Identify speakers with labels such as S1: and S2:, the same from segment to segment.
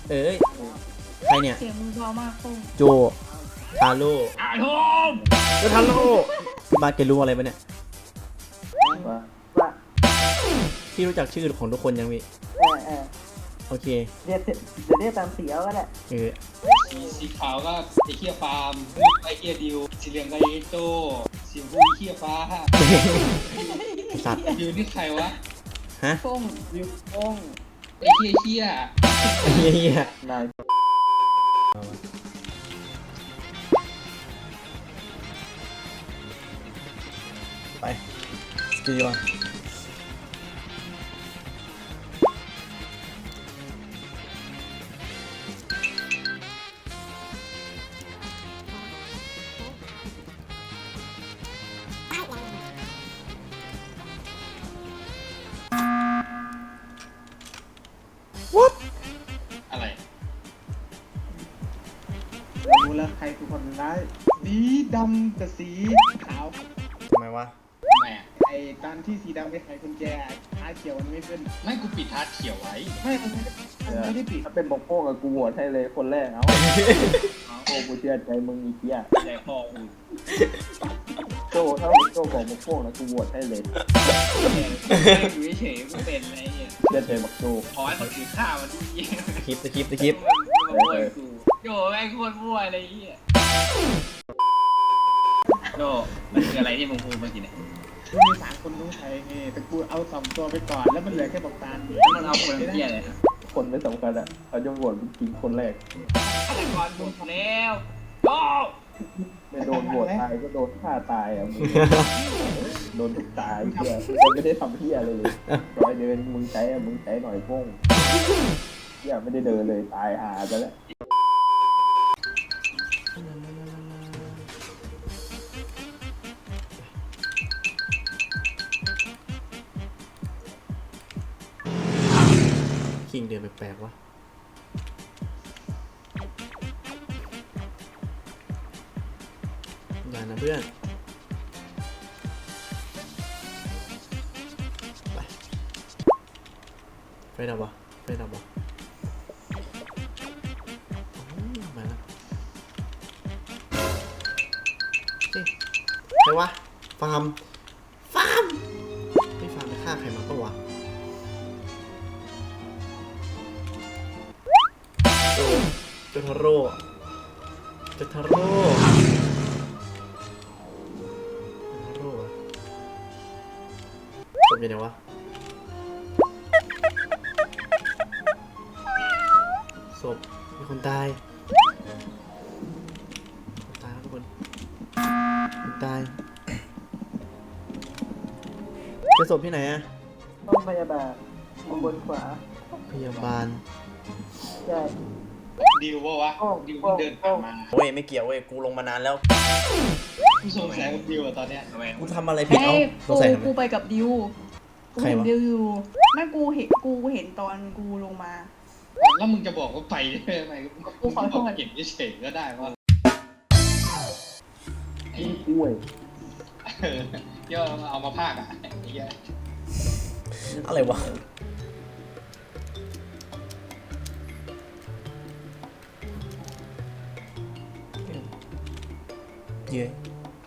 S1: เอ้ยใครเนี่ย
S2: เสียงมึงเพอมากปุ้ง
S1: โจทาโร่
S3: อาโทม
S1: โจทาโร่พี่บาสแกรู้อะไรปะเนี่ย
S4: ว่า
S1: พี่รู้จักชื่อของทุกคนยังพี่โอเค
S4: เรียกเดี๋ยวเรียกตามสีเอาก็ได้
S3: สีขาวก็ไอเคียฟาร์มไอเคียดิวสีเหลืองก็ไอโต้สีชมพูไอเคียฟ้า
S1: สัตว์
S3: ดิวนี่ใครวะ
S1: ฮะ
S2: ปุ้ง
S4: วิวโป้ง
S3: ไอเคียเคีย
S1: เฮีย
S4: นาย
S1: ไปสกีมา
S3: อะไร
S4: รู้แล้วใครคือคนร้ายสีดำกับสีขาว
S1: ทำไมวะ
S3: ทำไมอ่ะ
S4: ไอ้ตอนที่สีดำไปไขกุญแจท้าเขียวมันไม่ขึ้น
S3: ไม่กูปิดทัดเขียวไว้
S4: มันไม่ได้ปิดถ้าเป็นบอกโป้กับกูโหวตให้เลยคนแรกเอาโอ้กูเชื่อใจมึงอีกเหี้ย
S3: ใจคอกู
S4: โจถ้าโจของบอกโป้นะกูโหวตให้เลย
S3: อยู่เฉยๆกูเป็นอะไรเนี่ย
S4: เชื่อใจบอกโจ
S3: ขอให้คนถือข้าวมาที่
S1: คลิปคลิปคลิป
S3: มาบ่วยกูโยแม่งโคตรบ่วยอะไรเงี้ยโยมันคืออะไรที่มึงพูดเมื่อกี้เนี่ย
S4: กูมี3 คนต้องใช้ไงแต่กูเอา2 ตัวไปก่อนแล้วมันเหลือแค่บอกตาล
S3: แล้วมันเอาคนเพี้ยเลยครับ
S4: คนไม่สำคัญอ่ะเขาจะโหวตจริงคนแรก
S3: ฆาตกรบุกแล้วโย
S4: ไม่โดนโหวตตายก็โดนฆ่าตายอ่ะมึงโดนถูกตายเหี้ยมึงไม่ได้ทำเหี้ยเลยร้อยเดินมึงใช้อ่ะมึงใช้หน่อยโป้งเหี้ยไม่ได้เดินเลยตายหาไปแล้ว
S1: คิงเดินแปลกๆวะอย่านะเพื่อนไปดับวะไปดับวะมาแล้วเฮ้ยใครวะฟาร์มไม่ฟาร์มไปฆ่าใครมาปะวะโจทาโร่โจทาโร่ศพอยู่ไหนวะศพมีคนตายแล้วทุกคนคนตายเจะศพที่ไหนอะ
S4: ห้องพยาบาลบนขวา
S1: พยาบาล
S4: ใช่
S3: ดิวปะวะดิวเพิ่งเดินผ่านมา
S1: เว้ยไม่เกี่ยวเว้ยกูลงมานานแล้ว
S3: กูสงสัยกับดิวอะตอนเนี้ยทำไม
S1: กูทำอะไรผิด
S2: เอ้
S1: เอ้าย สงสัยทำไม
S2: กูไปกับดิวกู
S1: ใคร
S2: เห็น
S1: วะ
S2: ดิวอยู่ไม่กูเห็นตอนกูลงมา
S3: แล้วมึงจะบอกว่าไปได้ไหม
S2: กูขอโทษ
S3: เก็บเฉยๆก็ได้ว่า
S4: กินกล้วย
S3: ย่อเอามาพากอ่ะไอ้เหี้ย
S1: อะไรวะเย้ย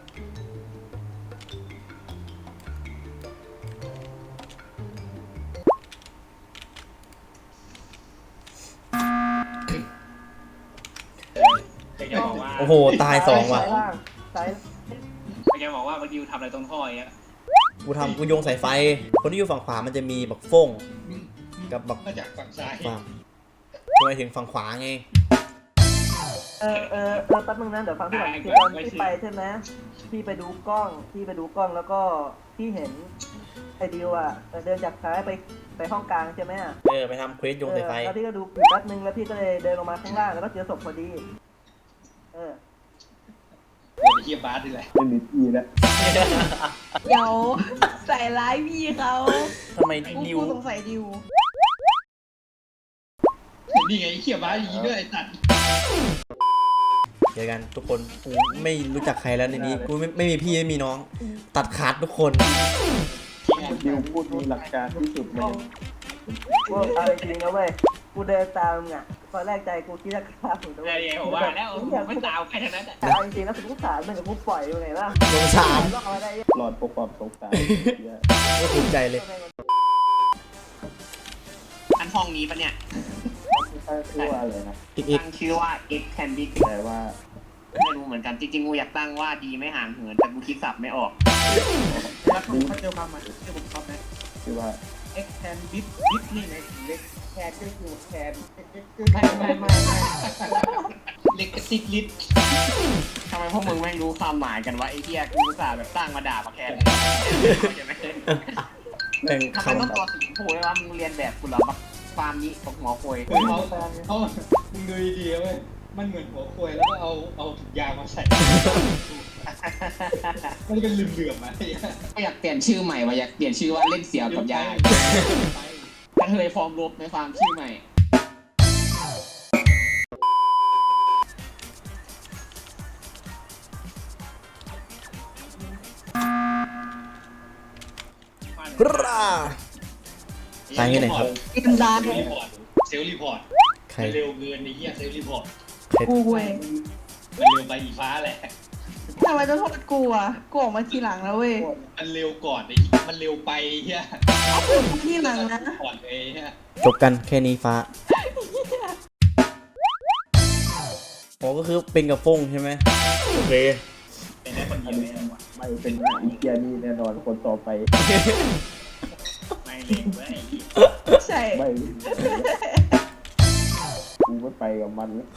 S3: แกบอกว่า
S1: โอ้โหตายสองว่ะ
S4: ซ้ายล่างซ้าย
S3: แกบอกว่าดิวทำอะไรตรงท่ออย่างเงี้ย
S1: กูโยงสายไฟ คนที่อยู่ฝั่งขวามันจะมีบักฟ้งกับบัก
S3: มาจากฝั่งซ้าย
S1: ฟาร์มทำไมถึงฝั่งขวาไง
S4: แป๊บนึงนะเดี๋ยวฟังพี่หลังคือตอนที่ไปใช่ไหมพี่ไปดูกล้องแล้วก็พี่เห็นไอดิวอ่ะเดินจากซ้ายไปห้องกลางใช่ไหมอ่ะ
S1: ไปทำเควสโยงสายไฟ
S4: แล้วพี่ก็ดูอยู่แป๊บนึงแล้วพี่ก็เลยเดินลงมาข้างล่างแล้วก็เจอศพพอดี
S3: โอ้ยเฮียบาสดิแหละ
S4: เป็นลิตี้แล้ว
S2: เดี๋ยวใส่ร้ายพี่เขา
S1: ทำไมดิว
S2: กูสงสัยดิว
S3: นี่ไงไอ้เฮียบาสอย่างนี้ด้วยไอ้สัตว์
S1: เจอกันทุกคนกูไม่รู้จักใครแล้วในนี้กูไม่มีพี่ไม่มีน้อง ตัดขาดทุกคน
S4: ดิวพูดมีหลักการที่สุดเลยว่าเอาจริงนะเว้ยกูเดินตามอ่ะ
S5: ตอนแรกใจกูคิดจะฆ่ามึงด้ว
S6: ไอ้
S5: ย
S6: ผมว่าแล้วไม่ตามใครทั้งนั้น
S5: แต่เอาจริงๆแล้วกูสารมันกับกูปล่อยอยู่ไงล่ะ
S1: สงสาร
S5: ต้องเอาได้
S4: หลอดปกความสงสารเหี้ย
S1: ก็ภูมิใจเลย
S6: อันห้องนี้ปะเนี่ย
S4: ตั้งชื่อว่าอะไรนะ
S1: อีก
S6: ตั้งชื่อว่า X Can Be
S4: แต่ว่า
S6: ไม่รู้เหมือนกันจริงๆกูอยากตั้งว่าดีไม่ห่างเหินแต่กูคิดสับไม่ออกแล้วเขาเจอความหมายชื่อผมชอบไหม
S4: ชื่อว่า
S6: X Can Bit นี่ในเล็ก
S5: แคนก็คือแคน
S6: ไม่เล็กกระซิกลิดทำไมพวกมึงไม่รู้ความหมายกันวะไอ้เหี้ยกูอุตส่าห์แบบตั้งมาด่ามาแคนใช่ไหม
S1: แม่ง
S6: ทำไม
S1: คำ
S6: ต้องตัวสีชมพูด้วยวะมึงเรียนแบบกูเหรอบักฟาร์มนี้บักหัวโคย
S3: เขามึงดูดีๆเว้ยมันเหมือนหัวควยแล้วก็เอาถุงยางมาใส่ มันเป็นเหลื่อมๆอ่ะ
S6: ก็อยากเปลี่ยนชื่อใหม่ว่ะอยากเปลี่ยนชื่อว่าเล่นเสี่ยวกับยายกระเทยฟอร์มลบในฟาร์มชื่อใหม่
S1: ฮราตายที่ไหนครับ
S2: กินดา
S3: เซลล์รีพอร์ต
S1: ใคร
S3: มันเร็วเกินในเหี้ยเซลล์รีพอร์ต
S2: กูเว้ย
S3: มันเร็วไปอีฟ้าแหละ
S2: ทำไมจะโทษกูอ่ะกูออกมาทีหลังแล้วเว้ย
S3: มันเร็วก่อนไอ้มันเร็วไปเฮีย
S2: เอาพูดมาทีหลังนะ
S3: ก่อนเลยเฮีย
S1: จบกันแค่นี้ฟ้าอ๋อก็คือเป็นกับฟงใช่ไหมโอเค
S6: เป็นได้คนเดียวเลยว่ะ
S4: ไม่เป็นหน้าอีเกียนี่แน่นอนคนต่อไป
S6: ไม่เล็กเว้ย
S2: ใช่
S4: ไม่กูไม่ไปกับมันแล้ว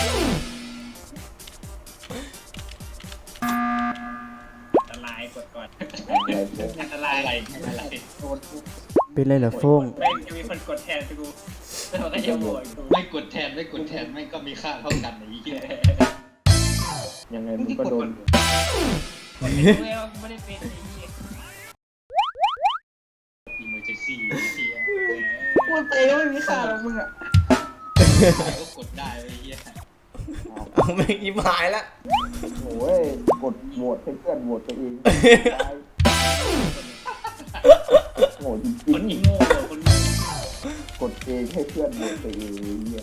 S6: อันตรายกดก่อน
S4: อะไรพวก
S6: อันตราย
S3: อะไร
S6: โดน
S1: เป็นไรเหรอฟง
S6: แม่งจะมีคนกดแทนกูแล้วมันก็จะโหวตกู
S3: ไม่กดแทนไม่ก็มีค่าเท่ากันไอ้เฮีย
S4: ยังไงมึงก็โดน
S6: ไม่ได้เป็นไอ้เหี้ย
S3: อิมเมอร์เจนซี่เฮีย
S2: พูดไปก็ไม่มีค่าหรอกมึงอ่ะ
S3: ก็กดได้ไอ้เฮีย
S1: เอาแม่งยิ้มหายละ
S4: โอ้ยกดโหวตให้เพื่อนโหวตตัวเองโง่จริ
S6: คน
S4: ง
S6: นี้โง่คนนี้
S4: ๆกดเองให้เพื่อนโหวตตัวเองเนี่ย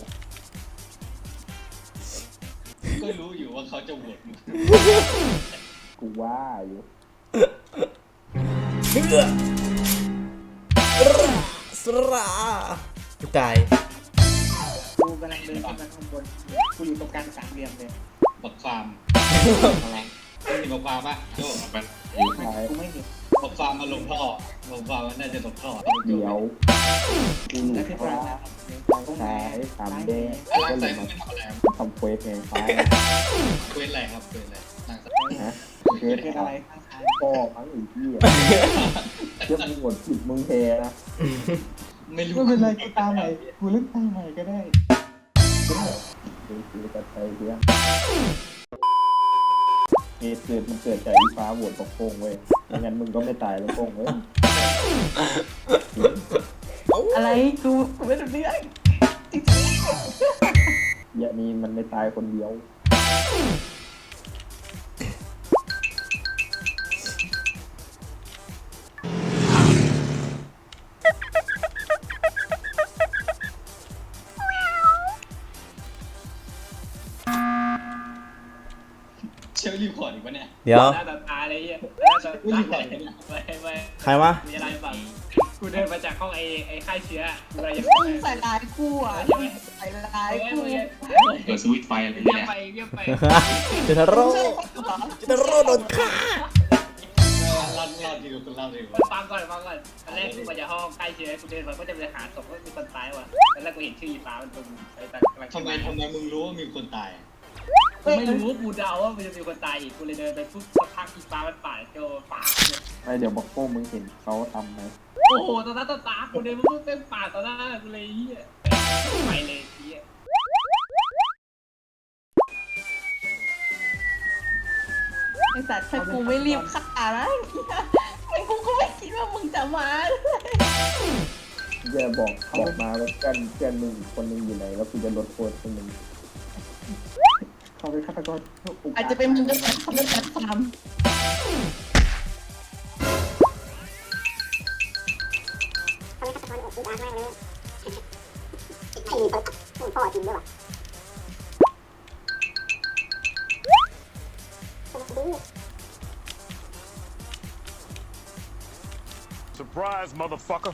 S3: ก็รู้อยู่ว่าเขาจะโหวตมึง
S4: กูว่าอยู่
S1: เชื่อสระตาย
S6: กูกำลังเดินขึ้นมาข้างบนกูอยู่ตรงกลางสามเหลี่ยมเลย
S3: บักฟาร์ม
S6: อะไร
S3: ไม่มีบักฟาร์มปะโจ้มัน
S6: กูไม่เห็น
S3: บักฟาร์มมาลงท่อบักฟาร์มมันน่าจะตกท่อ
S4: เดี๋ยวกูอยู่
S6: แล้วที่
S4: ข้าง
S6: ปลา
S4: ล่าง
S6: ตรงไหน
S4: ซ้ายตามแดง
S3: ร่าง
S4: ก็เล
S3: ใส่
S4: ย
S3: มึ
S4: มาง
S3: ไม่ทำอะไร
S4: ทำเควสแห่งฟ้า
S3: เควสอะไรครับเควสอะไรร่างใส่
S4: นะเควส
S6: เป็นอะไรข้างซ้าย
S4: พ่อมั้งอีกที่เชื่อมึงหมดผิดมึงแพ้นะ
S3: ไม่รู้
S6: ไม่เป็นไรกูตามใหม่กูเล่นตามใหม่ก็ได้
S4: ดูสิกันไปเพื่อนเหตุเกิดมันเกิดจากอีฟ้าโหวตกับโป้งเว้ยไม่งั้นมึงก็ไม่ตายแล้วโป้งเว้ย
S2: อะไรกูไม่รู้เรื่อง
S4: อย่านี้มันไม่ตายคนเดียว
S3: เชลรีพอร์ตอีกปะเนี่ย
S1: เดี๋ยว
S6: หน้าตาตาอะไรเงี้ยหน้าตาตาไม่
S1: ใครวะ
S6: มีอะไรบ้างกูเดินมาจากห้องไอ้ค่ายเชื้ออะไรอย่าง
S2: มึง
S6: เงี้ย
S2: ใส่ร้ายกูอ่ะใส่ร้ายกู
S6: เปิดสวิตช์ไฟอะไรเนี่ยเงียบไป
S1: เจตาโร่
S2: ใช่เหรอ
S1: เจตาโร่โดนฆ่า
S3: เล่าดีกว่าคุณเล่าดีกว่า
S6: ฟังก่อนตอนแรกกูมาจากห้องค่ายเชื้อกูเดินมาก็จะไปหาศพก็มีคนตายว่ะตอนแรกกูเห็นชื่ออีฟ้ามันตรงไอ้ตากำลัง
S3: ทำไมมึงรู้ว่ามีคนตาย
S6: กูไม่รู้กูเดาว่ามันจะมีคนตายอีกกูเลยเดินไปปุ๊บสักพักอีฟ้ามันป่าดโจป่าด
S4: ไอเดี๋ยวบอกโป้งมึงเห็นเขาทำไหม
S6: โอ้โหตอนนั้นตากูเดินมาปุ๊บเป็นป่าดตอนหน้ากูเลยเฮียไปเลยเฮีย
S2: ไอสัตว์ถ้ากูไม่รีบฆ่านะไม่กูก็ไม่คิดว่ามึงจะมา
S4: อย่าบอกมาว่าเพื่อนมึงคนนึงอยู่ไหนแล้วกูจะลดโทษให้มึงเขาเป็นฆาตกร
S2: อาจจะเป็นมึงก็ได้เขาเป็นแอดฟาร์ม
S7: เขาไม่ฆาตกรอุกอาจมากเลยพ่อจริงด้วยว่ะ
S8: Surprise, motherfucker.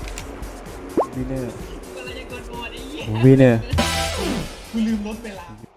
S1: วินเนอร์วินเนอร์
S3: กูลืมรถเวลา